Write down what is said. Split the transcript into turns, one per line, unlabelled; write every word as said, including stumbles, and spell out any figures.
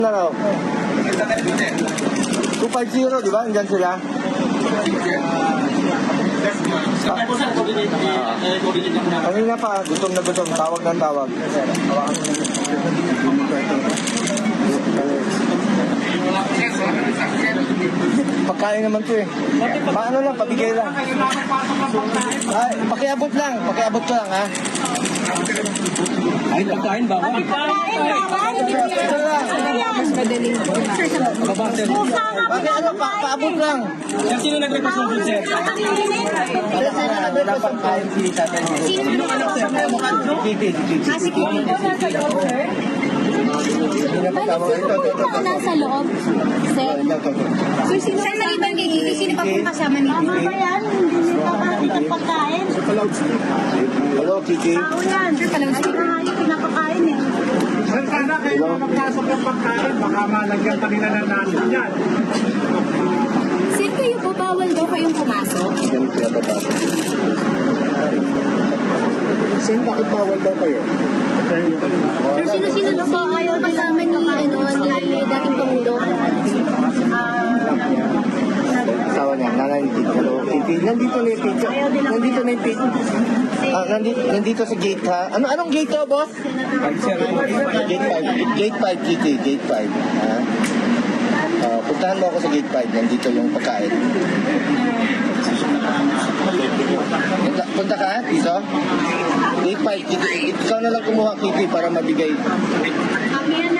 Na raw. two fifty, di ba? Andyan sila. Kanina pa, gutom na gutom. Tawag ng tawag. Pagkain naman to eh. Paano lang, pabigay lang. Ay, pakiabot lang. Pakiabot ko lang, ha?
Ay, pagkain ba?
Pagkain bawal.
Ito lang.
Mas madaling.
Bakit ano, pa paabot lang.
Sir, sino nag-request ng food, sir?
Kasi sino na dapat kain si tatay mo?
Sino anak sir?
Kiki, Kiki.
Ah, si Kiki po nasa loob, sir? Balik, sino po po nasa loob? Sir? Sir, sino sir, maliban kay Kiki, sino pa po kasama ni Kiki? Mama ba yan? Hindi pa kakain pagkain.
Hello, Kiki.
Tao yan. Sir, palang sir. Pinakain, pinakakain eh.
Sir, sana kayo magpasok ng pagkain, baka malagyan pa nila ng natin yan.
Sir, kayo po, bawal daw kayong pumasok?
Yan kaya papasok. Sin, bakit bawal daw kayo?
Sir, sino-sino na po ayaw kasama ni, ano, ni dating Pangulo?
Asawa niya, nanay ni Kiki. Hello, Kiki. Nandito na yung pizza. Nandito na yung pizza. Ah, nandito, nandito sa gate ha. Ano, anong gate to, boss? Gate five. Gate five, Kiki. Gate five. Ha? Uh, puntahan mo ako sa gate five. Nandito yung pagkain. Punta, punta ka dito? Gate five, Kiki. Ikaw na lang kumuha, Kiki, para mabigay.
Kami yan